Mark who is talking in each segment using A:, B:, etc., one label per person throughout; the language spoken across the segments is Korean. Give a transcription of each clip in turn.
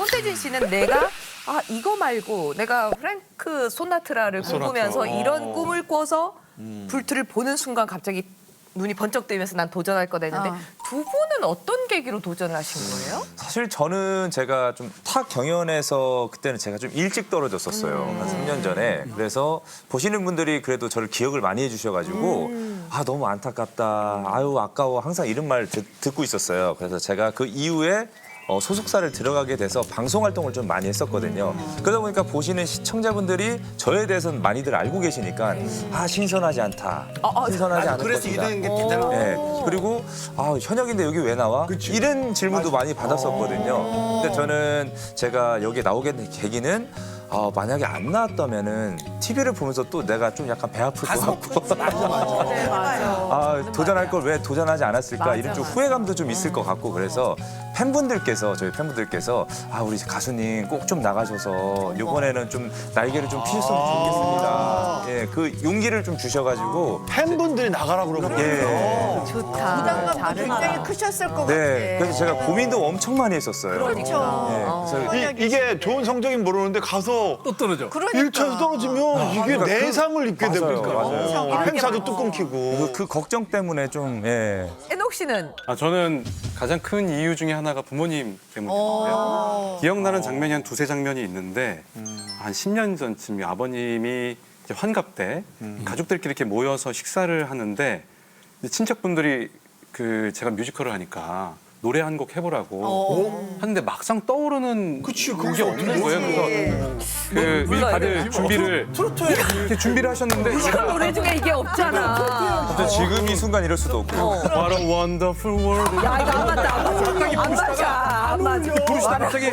A: 손태진 씨는 내가 이거 말고 내가 프랭크 소나트라를 꿈꾸면서 이런 꿈을 꿔서 불트를 보는 순간 갑자기 눈이 번쩍 뜨면서 난 도전할 거다 했는데 두 분은 어떤 계기로 도전을 하신 거예요?
B: 사실 저는 제가 좀 타 경연에서 그때는 제가 좀 일찍 떨어졌었어요. 한 3년 전에. 그래서 보시는 분들이 그래도 저를 기억을 많이 해주셔가지고 너무 안타깝다. 아유 아까워. 항상 이런 말 듣고 있었어요. 그래서 제가 그 이후에 소속사를 들어가게 돼서 방송 활동을 좀 많이 했었거든요. 그러다 보니까 보시는 시청자분들이 저에 대해서는 많이들 알고 계시니까 신선하지 않다. 신선하지 않을
C: 그래서
B: 것이다.
C: 이런 게 대단한
B: 네. 그리고 현역인데 여기 왜 나와? 이런 질문도 많이 받았었거든요. 근데 저는 제가 여기 나오게 된 계기는 만약에 안 나왔다면은 TV를 보면서 또 내가 좀 약간 배 아플 것 같고 도전할 걸 왜 도전하지 않았을까 이런 좀 후회감도 좀 있을 것 같고 그래서 저희 팬분들께서 우리 가수님 꼭 좀 나가셔서 이번에는 좀 날개를 좀 피셨으면 좋겠습니다. 예, 그 용기를 좀 주셔가지고
D: 팬분들이 나가라고 그러거든요.
B: 예.
A: 좋다.
E: 부담감도 굉장히 크셨을 것 같아.
B: 네, 그래서 제가 고민도 엄청 많이 했었어요.
E: 그렇죠.
B: 네, 그래서
D: 이게 좋은 성적인 모르는데 가서
C: 또 떨어져.
E: 그러니까.
D: 1차에서 떨어지면 이게
B: 그러니까
D: 내상을 입게
B: 맞아요,
D: 됩니까?
B: 맞아요.
D: 행사도 뚝 끊기고.
B: 그 걱정 때문에 좀
A: 애녹 씨는
F: 저는 가장 큰 이유 중에 하나가 부모님 때문인데요. 기억나는 장면이 한 두세 장면이 있는데 한 10년 전쯤 아버님이 이제 환갑 때 가족들끼리 이렇게 모여서 식사를 하는데 이제 친척분들이 제가 뮤지컬을 하니까 노래 한 곡 해보라고 하는데 막상 떠오르는 곡이 없는 거예요. 그래서 다들 준비를 이렇게 준비를 하셨는데
A: 뮤지컬 노래 중에 이게 없잖아.
B: 근데 지금 이 순간 이럴 수도 없고
F: What a wonderful world.
A: 야 이거 안 맞다. 안 맞아. 안 맞아.
F: 부르시다 갑자기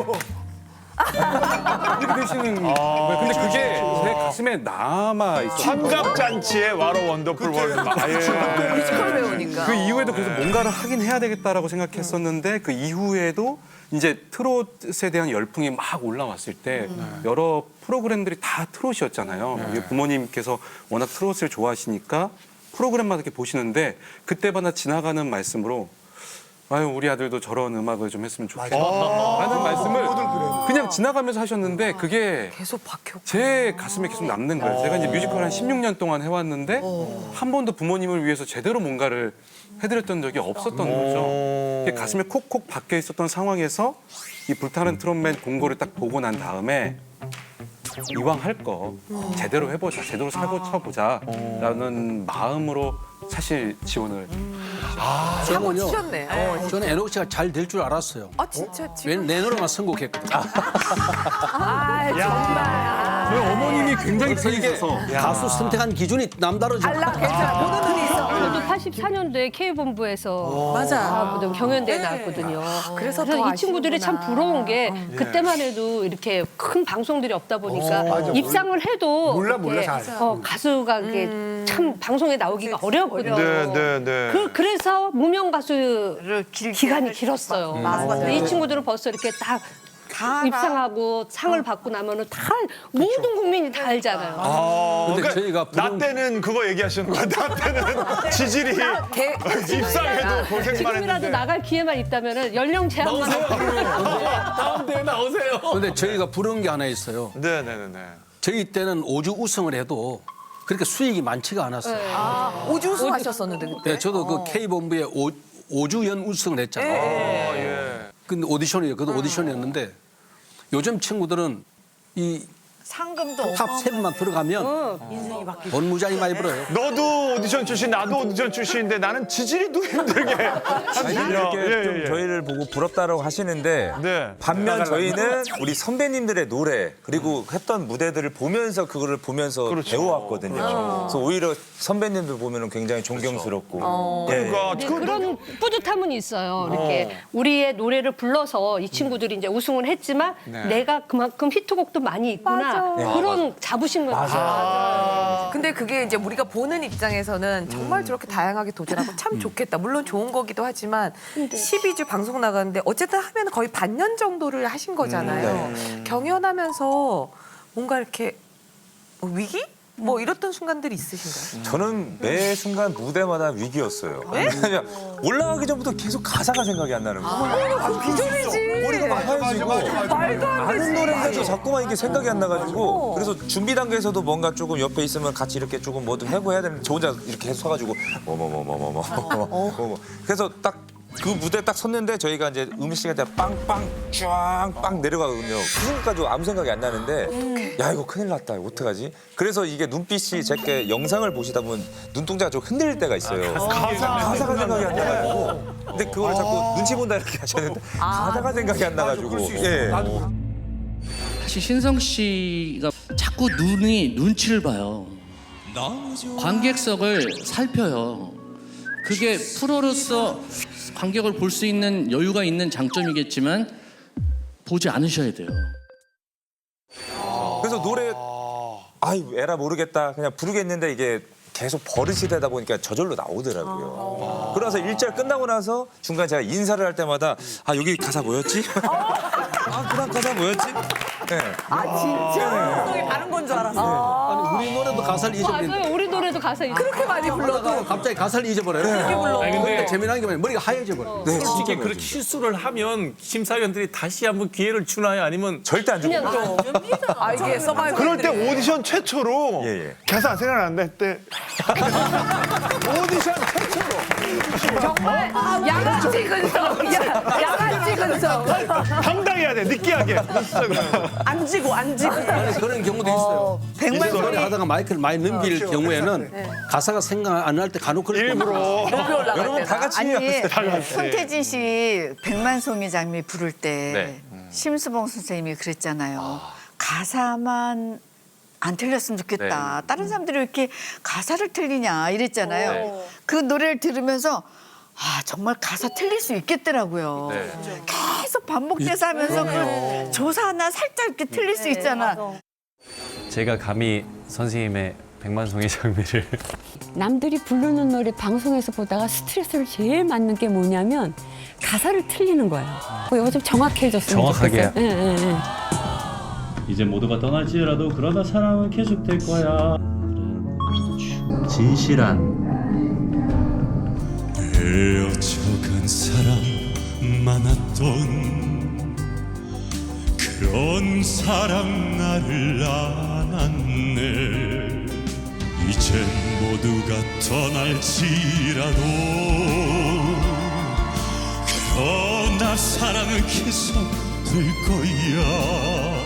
F: 이렇게 되시는 거예요. 근데 그게 제 가슴에 남아 있어요.
D: 환갑잔치에 와로 원더풀 월드.
A: 뮤지컬 배우니까.
F: 그 이후에도 그래서 뭔가를 하긴 해야 되겠다라고 생각했었는데 그 이후에도 이제 트롯에 대한 열풍이 막 올라왔을 때 여러 프로그램들이 다 트롯이었잖아요. 이게 부모님께서 워낙 트롯을 좋아하시니까 프로그램마다 이렇게 보시는데 그때마다 지나가는 말씀으로 우리 아들도 저런 음악을 좀 했으면 좋겠다 라는 말씀을 그냥 지나가면서 하셨는데 그게
A: 계속 박혔고.
F: 제 가슴에 계속 남는 거예요. 제가 이제 뮤지컬 한 16년 동안 해왔는데 한 번도 부모님을 위해서 제대로 뭔가를 해드렸던 적이 없었던 거죠. 그게 가슴에 콕콕 박혀 있었던 상황에서 이 불타는 트롯맨 공고를 딱 보고 난 다음에 이왕 할 거 제대로 해보자, 제대로 사고 쳐보자 라는 마음으로 사실 지원을
A: 사고
G: 저는요.
A: 치셨네.
G: 저는 애녹 씨가 잘 될 줄 알았어요.
A: 진짜 지금.
G: 왜냐면 내 노래만 선곡했거든요.
A: 정말.
F: 저희 어머님이 굉장히 팬이셔서
G: 가수 선택한 기준이 남다르죠.
A: 달라 괜찮아. 보는 눈이 있어.
H: 저도 84년도에 K본부에서
A: 맞아.
H: 경연대회 나왔거든요.
A: 그래서
H: 그래서
A: 더
H: 이 친구들이 참
A: 아시는구나.
H: 부러운 게 그때만 해도 이렇게 큰 방송들이 없다 보니까 입상을 해도
C: 몰라,
H: 이렇게,
C: 잘.
H: 가수가 이게 참 방송에 나오기가 어렵거든요.
D: 네.
H: 그래서 무명 가수를 기간이 길었어요. 근데 이 친구들은 벌써 이렇게 딱 입상하고 상을 받고 나면은 다 모든 국민이 다 알잖아요.
G: 근데
D: 그러니까
G: 저희가
D: 나 때는 그거 얘기하시는 거야. 나 때는 지질이 입상해도 고생만
H: 지금이라도
D: 했는데.
H: 나갈 기회만 있다면은 연령 제한만
C: 다음 대회 나오세요.
G: 근데 저희가 부러운 게 하나 있어요.
D: 네.
G: 저희 때는 5주 우승을 해도 그렇게 수익이 많지가 않았어요.
A: 오주수 하셨었는데 그때.
G: 네, 저도 그 K본부에 5주 연 우승을 했잖아요. 근데 오디션이에요. 그것도 오디션이었는데 요즘 친구들은 이
E: 상금도
G: 탑 7만 들어가면 돈 무지하게 많이 벌어요.
D: 너도 오디션 출신, 나도 오디션 출신인데 나는 지질이도 힘들게.
B: 이렇게 좀 저희를 보고 부럽다라고 하시는데
D: 네.
B: 반면 저희는 우리 선배님들의 노래 그리고 했던 무대들을 보면서 그거를 보면서 배워왔거든요. 그래서 오히려 선배님들 보면은 굉장히 존경스럽고.
D: 그러니까
H: 근데 그런 뿌듯함은 있어요. 이렇게 우리의 노래를 불러서 이 친구들이 이제 우승을 했지만 내가 그만큼 히트곡도 많이 있구나. 그런 자부심을 가져요.
A: 근데 그게 이제 우리가 보는 입장에서는 정말 저렇게 다양하게 도전하고 참 좋겠다. 물론 좋은 거기도 하지만 12주 방송 나가는데 어쨌든 하면 거의 반년 정도를 하신 거잖아요. 경연하면서 뭔가 이렇게 위기? 뭐 이랬던 순간들이 있으신가요?
B: 저는 매 순간 무대마다 위기였어요. 왜냐면 올라가기 전부터 계속 가사가 생각이 안 나는 거예요.
A: 비전이지.
B: 머리가 막 하얘지고
A: 말도 안 되지.
B: 아는 노래인데도 자꾸만 이게 생각이 안 나가지고 그래서 준비 단계에서도 뭔가 조금 옆에 있으면 같이 이렇게 조금 뭐도 해고 해야 되는데 저 혼자 이렇게 계속 서가지고 그래서 딱 그 무대 딱 섰는데 저희가 이제 음식 시간 때 빵빵 쫙빵 내려가거든요. 그 순간까지 아무 생각이 안 나는데 야 이거 큰일 났다 이거 어떡하지? 그래서 이게 눈빛이 제게 영상을 보시다 보면 눈동자가 좀 흔들릴 때가 있어요. 가사가 생각이 안 나가지고 근데 그걸 자꾸 눈치 본다 이렇게 하셨는데 가사가 생각이 안 나가지고 예.
I: 사실 신성 씨가 자꾸 눈치를 봐요. 관객석을 살펴요. 그게 프로로서 관객을 볼 수 있는 여유가 있는 장점이겠지만 보지 않으셔야 돼요.
B: 그래서 노래 아이 에라 모르겠다 그냥 부르겠는데 이게 계속 버릇이 되다 보니까 저절로 나오더라고요. 그래서 일절 끝나고 나서 중간 제가 인사를 할 때마다 아 여기 가사 뭐였지? 아 그다음 가사 뭐였지? 네.
E: 진짜? 성이 다른 건 줄 알았어.
G: 아니 우리 노래도 가사를 잊어버린다.
H: 맞아요. 우리 노래도 가사
A: 그렇게 많이 불러도
G: 갑자기 가사를 잊어버려요.
C: 아니, 근데
G: 근데 재미난 게 뭐냐면 머리가 하얘져버려.
B: 네,
C: 솔직히
B: 진짜
C: 그렇게 실수를 하면 심사위원들이 다시 한번 기회를 주나요? 아니면
B: 절대 안 주고
A: 아 이게 서바이벌.
D: 그럴 때 오디션 최초로
B: 예, 예.
D: 가사 생각나는데 그때 오디션 최초로
A: 정말 양아치 근성. 양아치 근성.
D: 당당해야 돼 느끼하게.
E: 안 지고.
G: 아니, 그런 경우도 있어요.
E: 백만
G: 노래
E: 소리.
G: 하다가 마이크를 많이 넘길 경우에는 가사가 생각 안 날 때 간혹 그럴 때
D: 일부러
B: 여러분 다 같이
E: 아니, 손태진 씨 백만송이 장미 부를 때
F: 네.
E: 심수봉 선생님이 그랬잖아요. 가사만 안 틀렸으면 좋겠다. 다른 사람들이 왜 이렇게 가사를 틀리냐 이랬잖아요.
F: 네.
E: 그 노래를 들으면서 아 정말 가사 틀릴 수 있겠더라고요.
F: 네.
E: 계속 반복돼서 하면서 그 조사 하나 살짝 이렇게 틀릴 수 있잖아.
J: 제가 감히 선생님의 백만송이 장미를
K: 남들이 부르는 노래 방송에서 보다가 스트레스를 제일 받는 게 뭐냐면 가사를 틀리는 거예요. 이거 좀 정확해졌으면
J: 정확하게.
K: 좋겠어요. 예, 예, 예.
J: 이제 모두가 떠날지라도 그러나 사랑은 계속될 거야. 진실한
L: 헤어져간 사람 많았던 그런 사랑 나를 안았네. 이젠 모두가 떠날지라도 그러나 사랑은 계속될 거야.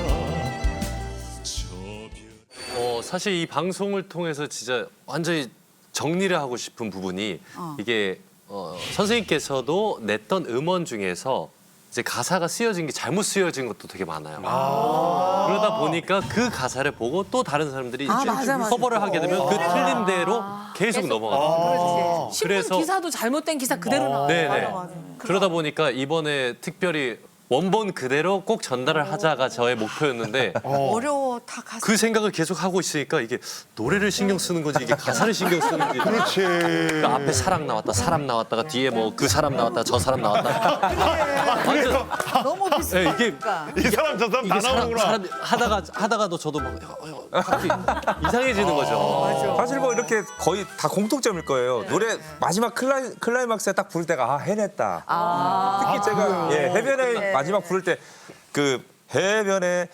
F: 사실 이 방송을 통해서 진짜 완전히 정리를 하고 싶은 부분이 이게 선생님께서도 냈던 음원 중에서 이제 가사가 쓰여진 게 잘못 쓰여진 것도 되게 많아요. 그러다 보니까 그 가사를 보고 또 다른 사람들이 커버를 하게 되면 그 틀린 대로 계속 넘어가요.
A: 신문 기사도 잘못된 기사 그대로 나와요.
F: 네네. 그러다 보니까 이번에 특별히 원본 그대로 꼭 전달을 하자가 저의 목표였는데
E: 어려워 다 가사.
F: 그 생각을 계속 하고 있으니까 이게 노래를 신경 쓰는 건지 이게 가사를 신경 쓰는지
D: 그렇지.
F: 그러니까 앞에 사랑 나왔다 사람 나왔다가 뒤에 뭐 그 사람 나왔다 저 사람 나왔다 완전
E: 너무 비슷해.
F: 네, 이게
D: 이 사람 저 사람 다
F: 이게
D: 나오는구나.
F: 사람 하다가도 저도 막 갑자기 이상해지는 거죠.
B: 사실 뭐 이렇게 거의 다 공통점일 거예요. 노래 마지막 클라이막스에 딱 부를 때가 아 해냈다. 특히 제가 예, 해변에 마지막 부를 때 그 해변에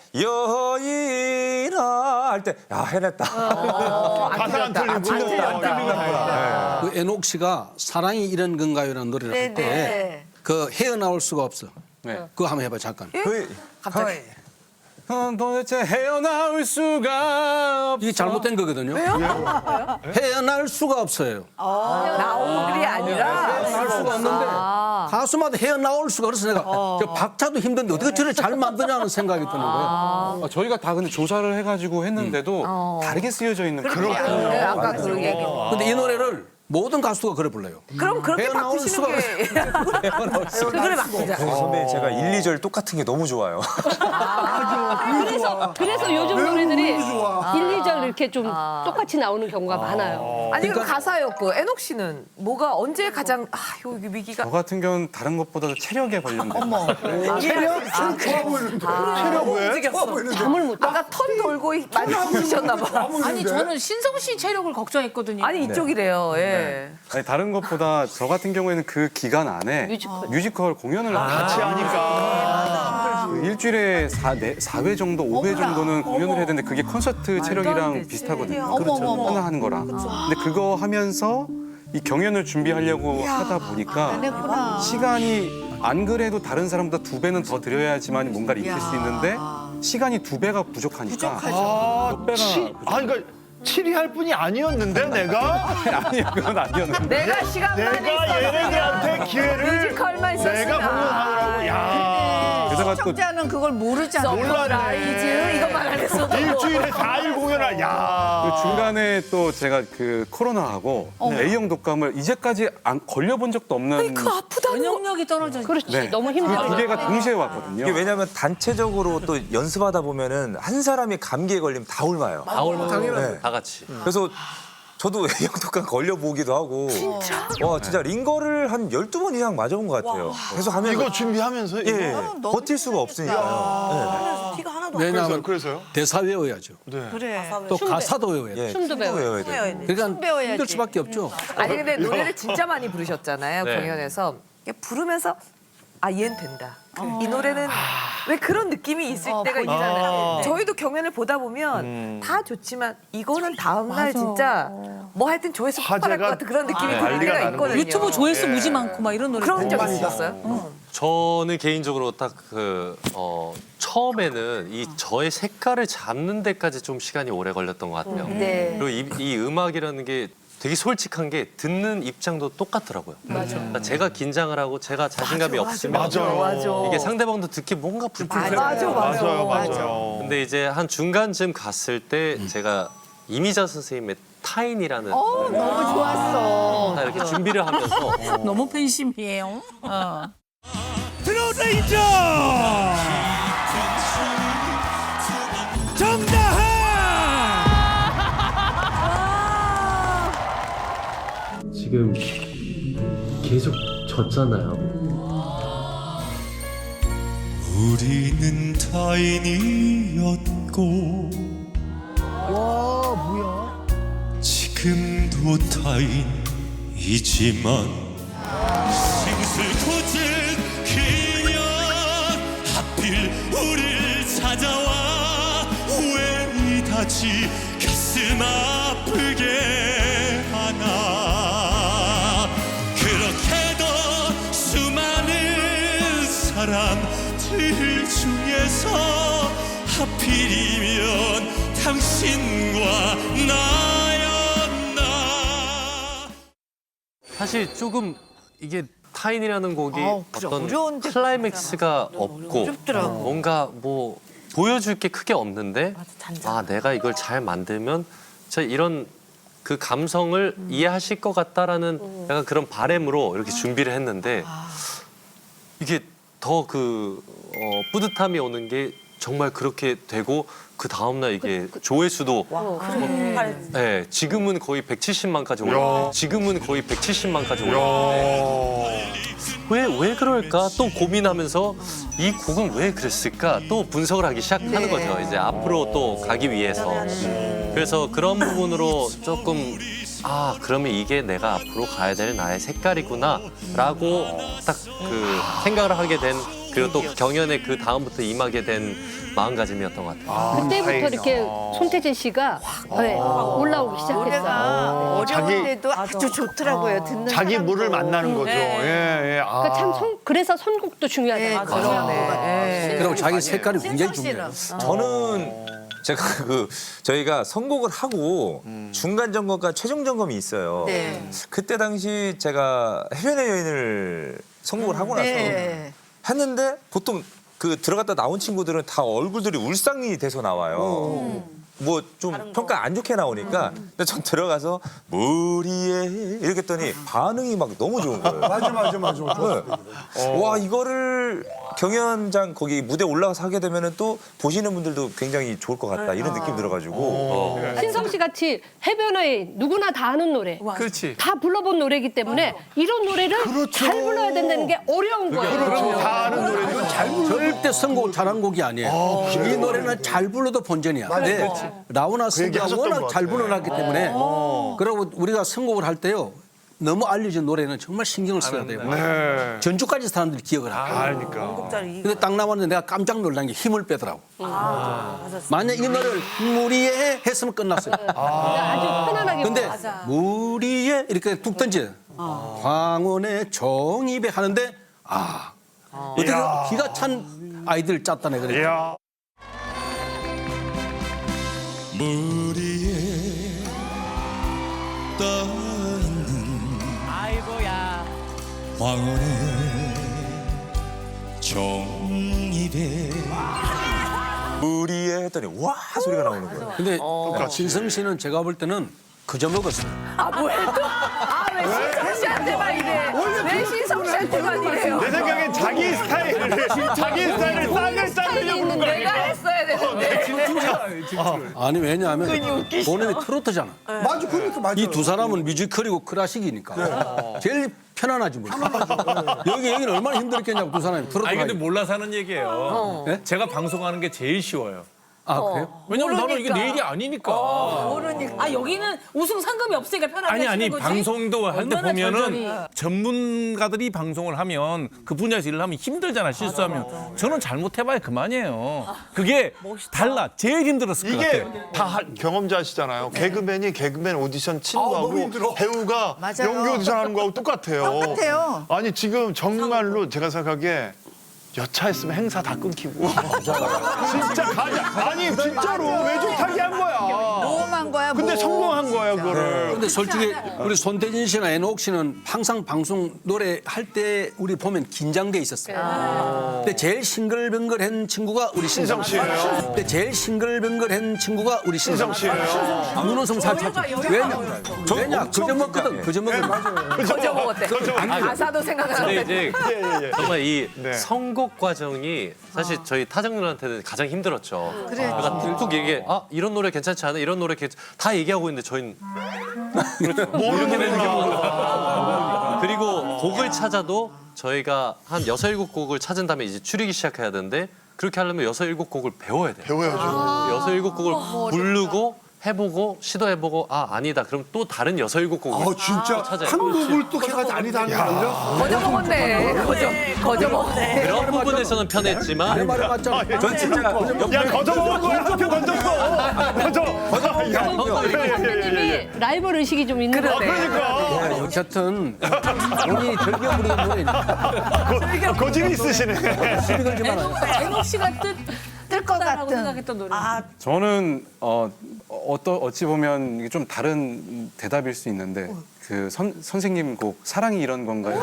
B: 여인아 할 때 야 해냈다.
D: 가사 안 틀리고 틀렸다.
G: 그 애녹 씨가 사랑이 이런 건가요라는 노래를 할 때 그 헤어나올 수가 없어. 그거 한번 해봐 잠깐.
A: 갑자기.
F: 도대체 헤어나올 수가
G: 이게 잘못된 거거든요. 왜요? 헤어날 수가 없어요.
A: 나오글이 아니라
G: 헤어날 수가 없는데 가수마다 헤어나올 수가 그래서 내가 저 박자도 힘든데 어떻게 저래 잘 만드냐는 생각이 드는 거예요.
F: 저희가 다 근데 조사를 해가지고 했는데도 다르게 쓰여져 있는
A: 네, 아까 그 얘기.
G: 근데 이 노래를 모든 가수가 그래 불러요.
A: 그럼 그렇게
G: 헤어나올
A: 바꾸시는 게 그걸 바꾸자.
B: 선배님 제가 1, 2절 똑같은 게 너무 좋아요.
H: 그래서 요즘 노래들이 1, 2절 이렇게 좀 똑같이 나오는 경우가 많아요.
A: 아니 그럼 가사였고 애녹 씨는 뭐가 언제 가장 여기 위기가
F: 저 같은 경우는 다른 것보다도 체력에 관련된.
D: 체력 왜?
H: 잠을 못 자.
A: 아까 턴 돌고 많이 부르셨나 봐.
M: 아니 저는 신성 씨 체력을 걱정했거든요.
A: 아니 이쪽이래요. 예.
F: 아니, 다른 것보다 저 같은 경우에는 그 기간 안에 뮤지컬 공연을 같이 하니까 일주일에 4회 정도, 5회 정도는 공연을 해야 되는데 그게 콘서트 체력이랑 비슷하거든요.
E: 어머머머.
F: 하나 하는 거랑. 근데 그거 하면서 이 경연을 준비하려고 하다 보니까
E: 했구나.
F: 시간이 안 그래도 다른 사람보다 2배는 더 들여야지만 뭔가를 익힐 수 있는데 시간이 2배가 부족하니까 몇 배가
D: 그러니까 치리할 뿐이 아니었는데 내가
F: 아니요 그건 아니었는데
A: 내가 시간만
D: 내가 얘네들한테 기회를
A: 뮤지컬만 있었으나.
D: 내가 공연하느라고
F: 게다가 또
E: 청자는 그걸 모르잖아.
A: 몰라라이즈 이것만 안 했어도
D: 일주일에 4일 공연을
F: 그 중간에 또 제가 그 코로나하고 A형 독감을 이제까지 안 걸려본 적도 없는
A: 그 아프다는 거.
M: 면역력이 떨어져.
H: 그렇지.
F: 네.
H: 너무
F: 그
H: 힘들어.
F: 두 개가 동시에 왔거든요.
B: 이게 왜냐하면 단체적으로 또 연습하다 보면은 한 사람이 감기에 걸리면 다 옮아요.
C: 다 올만
B: 네.
C: 다 같이.
B: 그래서 저도 A형 독감 걸려보기도 하고. 진짜? 와, 진짜 링거를 한 12번 이상 맞아본 것 같아요. 계속 하면.
D: 이거 준비하면서
B: 예, 버틸 수가 없으니까요.
M: 피가 하나도
G: 왜냐하면
D: 그래서요?
G: 대사 외워야죠.
E: 그래.
G: 또 가사도 외워야 돼.
B: 예,
H: 춤도
B: 외워야 돼요.
G: 그러니까
E: 배워야지.
G: 힘들 수밖에 없죠.
A: 아니 근데 노래를 진짜 많이 부르셨잖아요.
C: 네.
A: 공연에서 부르면서 얘는 된다. 이 노래는 왜 그런 느낌이 있을 때가 있잖아요. 저희도 경연을 보다 보면 다 좋지만 이거는 다음 날 진짜 뭐 하여튼 조회수 폭발할 것 같은 그런 느낌이 들
D: 난리가
A: 때가
D: 나는
A: 있거든요.
M: 유튜브 조회수 무지 많고 막 이런 노래.
A: 그런 적 있었어요?
C: 저는 개인적으로 딱 처음에는 이 저의 색깔을 잡는 데까지 좀 시간이 오래 걸렸던 것 같아요.
E: 네.
C: 그리고 이 음악이라는 게 되게 솔직한 게 듣는 입장도 똑같더라고요. 그러니까 제가 긴장을 하고 제가 자신감이 없으면
D: 맞아요.
C: 이게 상대방도 듣기 뭔가 불편해요.
D: 맞아요.
C: 근데 이제 한 중간쯤 갔을 때 제가 이미자 선생님의 타인이라는
E: 너무 좋았어.
C: 이렇게 준비를 하면서
M: 너무 팬심이에요.
L: 트로레이저 정다하
J: 지금 계속 졌잖아요.
L: 우리는 타인이었고 지금도 타인이지만 싱슬 굳은 그녀 하필 우릴 찾아와 왜 이다지 가슴 아프게 하나 그렇게도 수많은 사람들 중에서 하필이면 당신과 나였나.
C: 사실 조금 이게 타인이라는 곡이
E: 그래,
C: 어떤
E: 어려운데
C: 클라이맥스가 없고
E: 어렵더라고.
C: 뭔가 뭐 보여줄 게 크게 없는데 내가 이걸 잘 만들면 저 이런 그 감성을 이해하실 것 같다라는 약간 그런 바램으로 이렇게 준비를 했는데 이게 더 뿌듯함이 오는 게 정말 그렇게 되고 그 다음날 이게 조회수도 네, 지금은 거의 170만까지 올랐는데 지금은 거의 170만까지 올랐는데 왜 그럴까 또 고민하면서 이 곡은 왜 그랬을까 또 분석을 하기 시작하는 거죠. 이제 앞으로 또 가기 위해서. 그래서 그런 부분으로 조금 그러면 이게 내가 앞으로 가야 될 나의 색깔이구나라고 딱 그 생각을 하게 된 그리고 또 경연에 그 다음부터 임하게 된 마음가짐이었던 것 같아요.
H: 그때부터 이렇게 손태진 씨가 올라오기 시작했어요.
E: 노래가 어려운데도 아주 좋더라고요. 듣는
D: 자기
E: 사람도.
D: 물을 만나는 거죠. 예.
H: 그러니까 참 그래서 선곡도 중요하다는 거죠.
G: 그리고 자기 색깔이 굉장히 중요해요.
B: 저는 제가 저희가 선곡을 하고 중간 점검과 최종 점검이 있어요.
E: 네.
B: 그때 당시 제가 해변의 여인을 선곡을 하고 나서 했는데 보통 들어갔다 나온 친구들은 다 얼굴들이 울상이 돼서 나와요. 뭐 좀 평가 안 좋게 나오니까 근데 전 들어가서 무리에 이렇게 했더니 반응이 막 너무 좋은 거예요.
N: 맞아.
B: 네. 와 이거를 경연장 거기 무대 올라가서 하게 되면은 또 보시는 분들도 굉장히 좋을 것 같다 이런 느낌 들어가지고
H: 신성 씨 같이 해변의 누구나 다 아는 노래,
G: 그렇지.
H: 다 불러본 노래이기 때문에 이런 노래를 잘 불러야 된다는 게 어려운 거예요.
N: 그렇죠.
D: 다 아는 노래.
G: 이건 절대 선곡 잘한 곡이 아니에요. 이 노래는 잘 불러도 본전이야. 근데 라우나
D: 그 얘기
G: 씨가
D: 하셨던
G: 워낙
D: 것
G: 잘
D: 같아.
G: 불러놨기 때문에 그리고 우리가 선곡을 할 때요. 너무 알려진 노래는 정말 신경을 써야 돼요.
D: 네.
G: 전주까지 사람들이 기억을 하고.
D: 그러니까.
G: 근데 딱 나왔는데 내가 깜짝 놀란 게 힘을 빼더라고. 만약 이 노래를 무리에 했으면 끝났어요.
H: 아주 편안하게.
G: 근데 무리에 이렇게 뚝 던져. 황혼의 정입에 하는데 어떻게 기가 찬 아이들 짰다네 그랬죠.
D: 이야.
L: 무리에 떠있는 황혼의 종입에
B: 무리에 했더니 와 소리가 나오는 거예요.
G: 근데 신성 씨는 제가 볼 때는 그저 먹었어요.
A: 왜 신성 씨한테만 이래? 왜 신성 씨한테만 이래요?
D: 내 생각엔 자기 스타일을 쌍을 쌍을
A: 내가 했어야 되는데.
G: 아니 왜냐하면 본인이 트로트잖아.
N: 맞아, 그러니까.
G: 이 두 사람은 뮤지컬이고 클래식이니까 제일 편안하지 뭐. 여기는 얼마나 힘들었겠냐고 두 사람이 트로트.
O: 아니 근데 몰라서 하는 얘기예요.
G: 네?
O: 제가 방송하는 게 제일 쉬워요.
G: 아 그래요?
O: 왜냐면 나는 이게 내 일이 아니니까.
M: 아 여기는 우승 상금이 없으니까 편하게
O: 아니
M: 하시는 거지.
O: 방송도 할 때
M: 얼마나
O: 보면은
M: 절절히.
O: 전문가들이 방송을 하면 그 분야에서 일을 하면 힘들잖아 실수하면. 저는 잘못해봐야 그만이에요. 그게 달라. 제일 힘들었을 것
D: 이게
O: 같아요.
D: 다 경험자시잖아요. 개그맨이 개그맨 오디션 치는 거하고 배우가
E: 맞아요.
D: 연기 오디션 하는 거하고 똑같아요.
E: 똑같아요.
D: 아니 지금 정말로 제가 생각하기에 여차했으면 행사 다 끊기고 진짜 가자. 아니 진짜로 외줄타기 한 거야.
E: 모험한 거야.
D: 근데 성공한 거야 그거를.
G: 근데 솔직히 우리 손태진 씨나 애녹 씨는 항상 방송 노래 할 때 우리 보면 긴장돼 있었어요. 근데 제일 싱글벙글한 친구가 우리 신성
D: 씨예요.
G: 근데 제일 싱글벙글한 친구가 우리 신성
D: 씨예요.
G: 눈웃음 살짝. 왜냐? 그저 먹거든. 그저 먹거든.
A: 거저 먹었대. 가사도 생각 안
C: 근데
A: 나는데.
C: 이제 정말 이
D: 네.
C: 선곡 과정이 사실 저희 타정들한테는 가장 힘들었죠. 그러니까 툭툭 얘기해. 이런 노래 괜찮지 않아? 이런 노래 다 얘기하고 있는데 저희는 그렇죠. 이렇게 되는 경우가. 그리고 곡을 찾아도 저희가 한 6, 7곡을 찾은 다음에 이제 추리기 시작해야 되는데 그렇게 하려면 6, 7곡을 배워야 돼요.
D: 배워야죠.
C: 6, 7곡을 부르고 해보고 시도해보고 아니다. 그럼 또 다른 6, 7곡을
N: 진짜
C: 찾아요.
N: 한 곡을 또 해가지고 아니다 하는 거 아니야?
A: 거저 먹었네. 거저 먹었네.
C: 그런 부분에서는 편했지만
G: 말을 맞잖아.
B: 전 진짜
D: 야 거저 먹은 거야. 한표 던졌어. 거저.
H: 님이 라이벌 의식이 좀 있는 것 같아요.
D: 그러니까
G: 어쨌든 본인이 즐겨 부르는 노래니까
D: 고집이 있으시네.
G: 시비 걸지 말아요.
M: 애녹 씨가
E: 뜰것
M: 하고
E: 같은.
M: 생각했던 노래.
F: 저는 어찌 보면 이게 좀 다른 대답일 수 있는데 그 선생님 곡 사랑이 이런 건가요?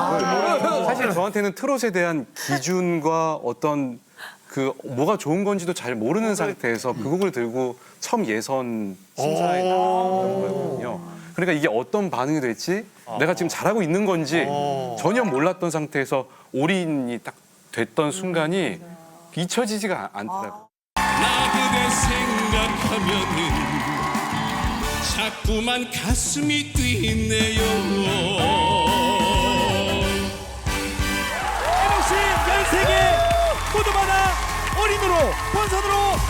F: 사실 저한테는 트롯에 대한 기준과 어떤 그 뭐가 좋은 건지도 잘 모르는 상태에서 그 곡을 들고 처음 예선 심사에 나온 거거든요. 그러니까 이게 어떤 반응이 될지 내가 지금 잘하고 있는 건지 전혀 몰랐던 상태에서 올인이 딱 됐던 순간이 잊혀지지가 않더라고요.
L: 나 그대 생각하면은 자꾸만 가슴이 뛰네요.
O: 혹시 13개 모두 받아 올인으로 본선으로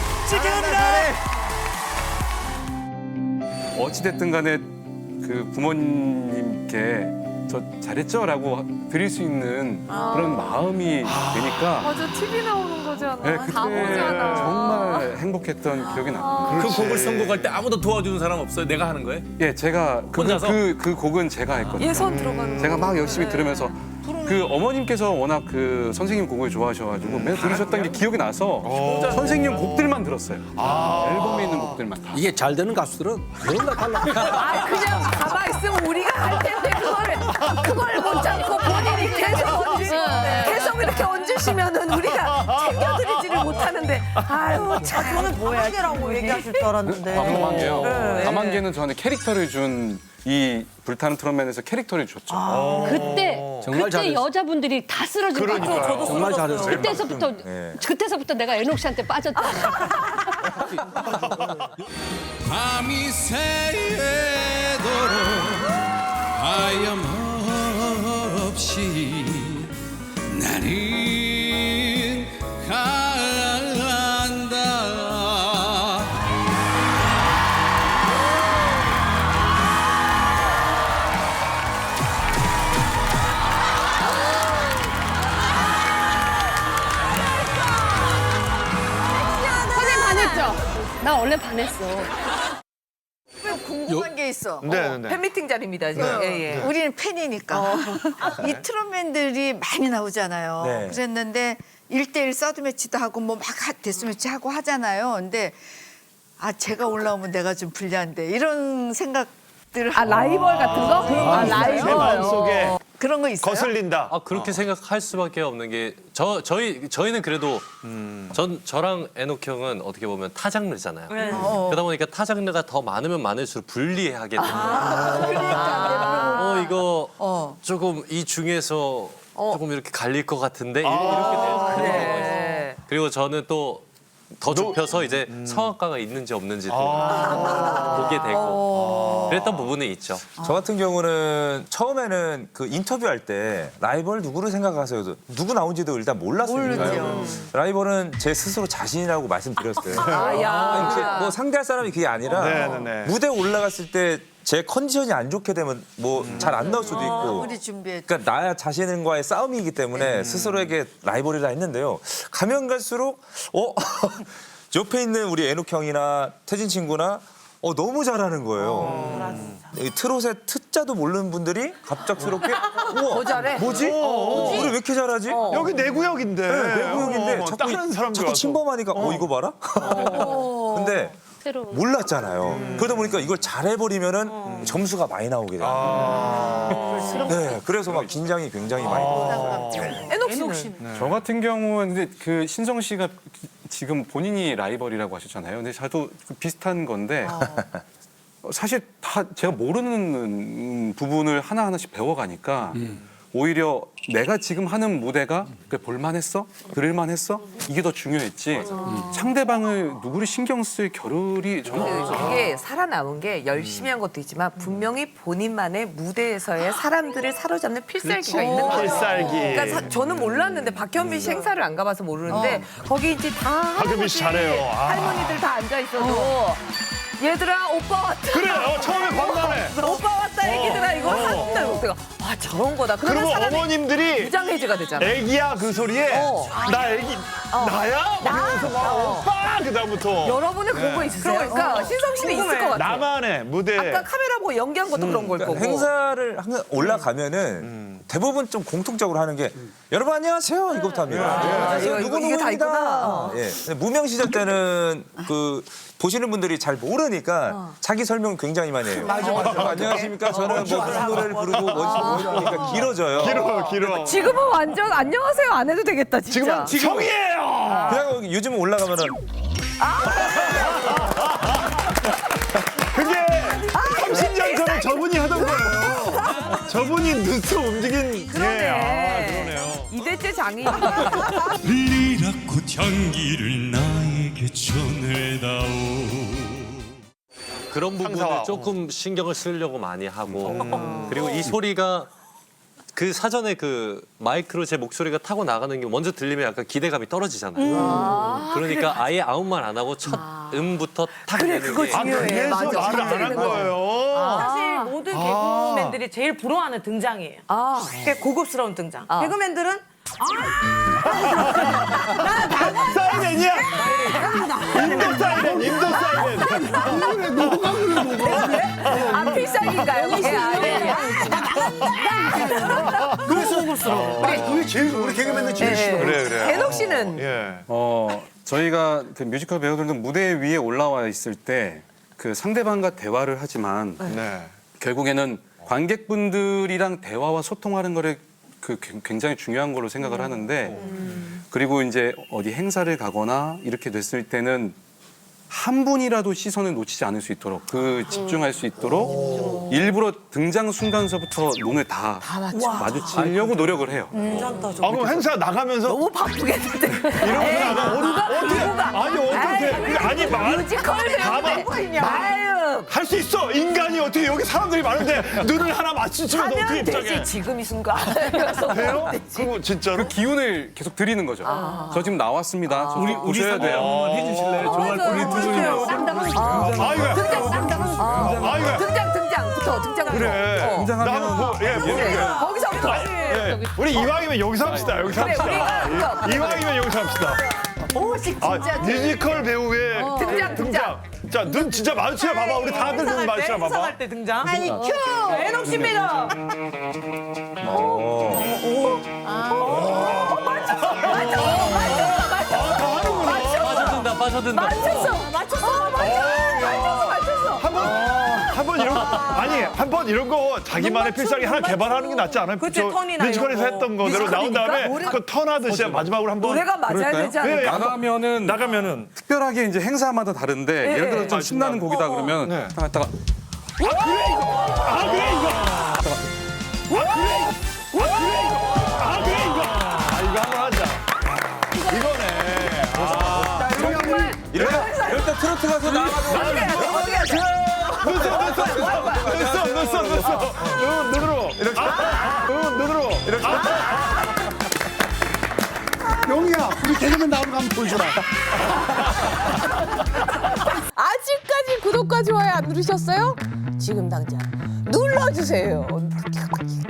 O: 찍혀갑니다.
F: 어찌됐든 간에 그 부모님께 저 잘했죠라고 드릴 수 있는 그런 마음이 되니까
A: 맞아, TV 나오는 거잖아.
F: 네,
A: 다
F: 그때
A: 보잖아.
F: 정말 행복했던 기억이 납니다.
O: 그 곡을 선곡할 때 아무도 도와주는 사람 없어요? 내가 하는 거예요?
F: 예, 제가
O: 혼자서?
F: 그 곡은 제가 했거든요.
A: 예선 들어가는
F: 제가 막 열심히 들으면서 그 어머님께서 워낙 그 선생님 곡을 좋아하셔가지고 맨날 들으셨던 게 기억이 나서 선생님 곡들만 들었어요. 앨범에 있는 곡들만.
G: 이게 잘 되는 가수들은 뭔가 달라.
A: 그냥 가만히 있으면 우리가 할 텐데 그걸 못 참고 본인이 계속 이렇게 얹을 힘드시면은 우리가 챙겨드리지를 못하는데 아유 참.
M: 저는 가만개라고 얘기하실 줄 알았는데.
F: 가만개요.
A: 네.
F: 가만개는 저한테 캐릭터를 준 이 불타는 트롯맨에서 캐릭터를 줬죠.
H: 그때
G: 정말
H: 그때
G: 잘했어.
H: 여자분들이 다 쓰러진 거 같아요.
M: 저도
G: 정말 잘했어.
H: 그때서부터 내가 애녹 씨한테 빠졌다.
L: 밤이 새도록 하염없이 나는 간다.
H: 선생님 반했죠? 나 원래 반했어.
E: 궁금한 게 있어.
A: 팬미팅 자리입니다 지금. 예, 예.
E: 우리는 팬이니까. 이 트롯맨들이 많이 나오잖아요.
B: 네.
E: 그랬는데 1대1 서드 매치도 하고 뭐 막 데스 매치 하고 하잖아요. 근데 아 제가 올라오면 내가 좀 불리한데 이런 생각들.
A: 아 라이벌 같은 거? 아
D: 내
A: 라이벌.
D: 마음속에
E: 그런 거 있어요?
D: 거슬린다.
C: 아 그렇게 생각할 수밖에 없는 게 저희는 그래도 저랑 애녹 형은 어떻게 보면 타 장르잖아요. 그러다 보니까 타 장르가 더 많으면 많을수록 불리하게 됩니다.
E: 그러니까.
C: 이거 조금 이 중에서 조금 이렇게 갈릴 것 같은데 이렇게 돼요.
A: 그래.
C: 그리고 저는 또 더 좁혀서 이제 성악가가 있는지 없는지 또 보게 되고 그랬던 부분이 있죠.
B: 저 같은 경우는 처음에는 그 인터뷰할 때 라이벌 누구를 생각하세요? 누구 나온지도 일단 몰랐으니까요. 라이벌은 제 스스로 자신이라고 말씀드렸어요. 아니, 뭐 상대할 사람이 그게 아니라
D: 네네네.
B: 무대에 올라갔을 때 제 컨디션이 안 좋게 되면 뭐 잘 안 나올 수도 있고.
E: 우리 준비해.
B: 그러니까 나 자신과의 싸움이기 때문에 스스로에게 라이벌이라 했는데요. 가면 갈수록 옆에 있는 우리 애녹 형이나 태진 친구나 너무 잘하는 거예요. 이 트롯의 트자도 모르는 분들이 갑작스럽게 우와
A: 더 잘해?
B: 뭐지? 우리 왜 이렇게 잘하지?
D: 여기 내 구역인데.
B: 내 구역인데
D: 다른 사람들
B: 자꾸
D: 와서.
B: 침범하니까 이거 봐라. 근데 몰랐잖아요. 그러다 보니까 이걸 잘해버리면은 점수가 많이 나오게 돼요. 네, 그래서 막 긴장이 굉장히 많이 돼요.
A: 애녹 씨는?
F: 저 같은 경우는 근데 그 신성 씨가 지금 본인이 라이벌이라고 하셨잖아요. 근데 저도 비슷한 건데 사실 다 제가 모르는 부분을 하나하나씩 배워가니까 오히려 내가 지금 하는 무대가 볼만했어? 들을만했어? 이게 더 중요했지. 상대방을 누구를 신경 쓸 겨를이 저는 없어요.
A: 이게 살아남은 게 열심히 한 것도 있지만 분명히 본인만의 무대에서의 사람들을 사로잡는 필살기가 있는 거예요.
D: 필살기.
A: 그러니까 저는 몰랐는데 박현빈 씨 행사를 안 가봐서 모르는데 거기 이제 다
D: 박현빈 씨 잘해요.
A: 할머니들 다 앉아 있어도 얘들아 오빠 왔다.
D: 그래, 처음에 방문해.
A: 오빠 왔다 얘기들아 이거 한달 못해가 아 저런 거다. 그러면
D: 그리고
A: 사람이
D: 어머님들이
A: 무장해제가 되잖아.
D: 애기야 그 소리에 나 애기 나야? 그래서 막 오빠 그다음부터
A: 여러분의 그런 거 있으세요? 그러니까 신성 씨는 있을 것 같아.
D: 나만의 무대.
A: 아까 카메라 보고 연기한 것도 그런 걸 거고.
B: 그러니까 행사를 항상 올라가면은 대부분 좀 공통적으로 하는 게 여러분 안녕하세요 이거부터 합니다.
A: 이거 다 있구나.
B: 예. 근데 무명 시절 때는 그 보시는 분들이 잘 모르니까 자기 설명 굉장히 많이 해요. 맞아. 안녕하십니까? 저는 뭐 무슨 노래를 부르고 뭐니까 길어져요.
D: 길어.
A: 지금은 완전 안녕하세요 안 해도 되겠다 진짜.
D: 지금 형이에요.
B: 그냥 요즘 올라가면은
D: 그게 30년 전에 저분이 하던 거예요. 저분이 눈썹 움직인.
A: 그러네. 이대째 장인.
L: 리라코 향기를 나에게 전해다오.
C: 그런 부분을 조금 신경을 쓰려고 많이 하고 그리고 이 소리가 그 사전에 그 마이크로 제 목소리가 타고 나가는 게 먼저 들리면 약간 기대감이 떨어지잖아요. 그러니까 아예 아무 말 안 하고 첫 음부터 탁 내는 게
D: 그래서 말을 안 한 거예요.
M: 사실 모든 개그맨들이 제일 부러워하는 등장이에요. 그게 고급스러운 등장. 개그맨들은
D: 사이렌이야. 임도 사이렌, 임도 사이렌.
A: 아 필살기인가요?
N: 너무 고급스러워. 우리 개그맨들 제일 싫어.
D: 그래.
A: 애녹 씨는
F: 저희가 그 뮤지컬 배우들도 무대 위에 올라와 있을 때 그 상대방과 대화를 하지만
D: 네.
F: 결국에는 관객분들이랑 대화와 소통하는 거를 그 굉장히 중요한 걸로 생각을 하는데 그리고 이제 어디 행사를 가거나 이렇게 됐을 때는 한 분이라도 시선을 놓치지 않을 수 있도록 집중할 수 있도록 일부러 등장 순간서부터 눈을 다 마주치려고 노력을 해요.
D: 그럼 행사 나가면서
A: 너무 바쁘겠는데.
D: 이러고 나가 어떻게 아니
A: 뮤지컬 배우인데
D: 할 수 있어. 인간이 어떻게 여기 사람들이 많은데 눈을 하나 맞추면 어떻게
A: 하면
D: 입장해?
A: 되지 지금 이 순간.
D: 돼요? 그거 진짜로?
F: 그 기운을 계속 드리는 거죠. 저 지금 나왔습니다. 저
O: 우리
F: 오셔야 돼요.
O: 한번 해주실래요? 정말 우리 두 분이
A: 등장부터
D: 그래.
F: 등장하면
A: 거기서부터.
D: 우리 이왕이면 여기서 합시다. 여기서
A: 그래,
D: 합시다.
A: 우리가
D: 이왕이면 여기서 합시다.
E: 오식 진짜
D: 뮤지컬 배우의
A: 등장.
D: 자, 눈 진짜 마주치라 봐봐. 우리 다들 눈 마주치라 봐봐.
M: 행사할 때 등장.
E: 아니 큐
M: 애녹 씨입니다.
C: 빠져든다.
A: 맞췄어.
D: 한번 이런 거 아니 한 번 이런 거 자기만의 필살기 하나 개발하는 게 낫지 않아요?
M: 그치,
D: 저
M: 턴이나
D: 뮤지컬에서
M: 이런 거.
D: 했던 거대로 나온 다음에 그 턴하듯이 마지막으로 한번
A: 노래가 맞아야 되지 않을까?
F: 나가면은 특별하게 이제 행사마다 다른데 예를 들어 좀 신나는 곡이다 그러면 딱 갔다가
D: 이거 한번 하자. 이거네.
B: 이럴 때 트로트 가서 나가서
D: 넣었어. 눈으로. 이렇게. 눈으로. 이렇게.
N: 용이야, 우리 개그맨 나오는 거 한번 보여줘라.
A: 아직까지 구독과 좋아요 안 누르셨어요? 지금 당장 눌러주세요.